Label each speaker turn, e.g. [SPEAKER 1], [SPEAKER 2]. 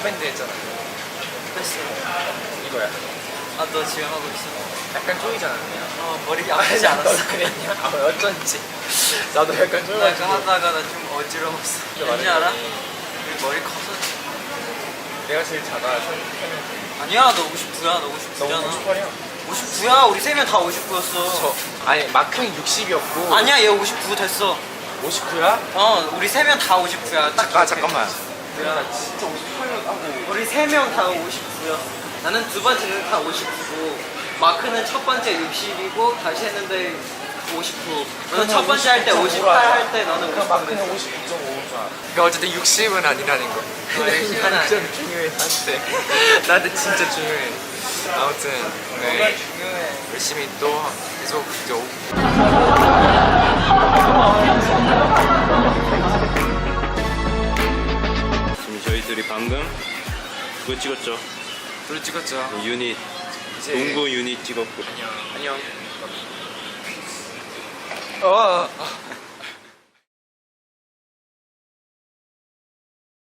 [SPEAKER 1] 밴드 했잖아.
[SPEAKER 2] 했어.
[SPEAKER 1] 이거야.
[SPEAKER 2] 아, 너 지금 하고 있어?
[SPEAKER 1] 약간 쪼이지 않았냐?
[SPEAKER 2] 머리 아프지 않았어?
[SPEAKER 1] 그랬냐? 아, 어쩐지. 나도 약간
[SPEAKER 2] 나 그거
[SPEAKER 1] 쪼여가지고.
[SPEAKER 2] 하다가 나 좀 어지러웠어. 왠지 알아? 우리 머리 커서.
[SPEAKER 1] 내가 제일 작아.
[SPEAKER 2] 아니야, 너 59야. 너 59잖아.
[SPEAKER 1] 너 58이야.
[SPEAKER 2] 59야. 우리 3명 다 59였어.
[SPEAKER 1] 아니, 마크는 60이었고.
[SPEAKER 2] 아니야, 얘 59 됐어.
[SPEAKER 1] 59야?
[SPEAKER 2] 우리 3명 다 59야. 딱
[SPEAKER 1] 아,
[SPEAKER 2] 기억해.
[SPEAKER 1] 잠깐만. 야, 진짜 58년 하고.
[SPEAKER 2] 우리 3명 다 59야. 나는 두 번째는 다 59고, 마크는 첫 번째 60이고, 다시 했는데 59. 너는 첫 번째 할 때 58 할 때 너는 59.
[SPEAKER 1] 마크는 59.5잖아. 그러니까 어쨌든 60은 아니라는 거.
[SPEAKER 2] 아니야.
[SPEAKER 1] 좀 중요해, 나한테. 나한테 진짜 중요해. 아무튼, 네.
[SPEAKER 2] 중요해.
[SPEAKER 1] 열심히 또 계속 좀.
[SPEAKER 3] 지금 저희들이 방금 그거 찍었죠.
[SPEAKER 1] 둘 찍었죠.
[SPEAKER 3] 유닛,
[SPEAKER 1] 이제
[SPEAKER 3] 농구 유닛 찍었고.
[SPEAKER 1] 안녕. 안녕.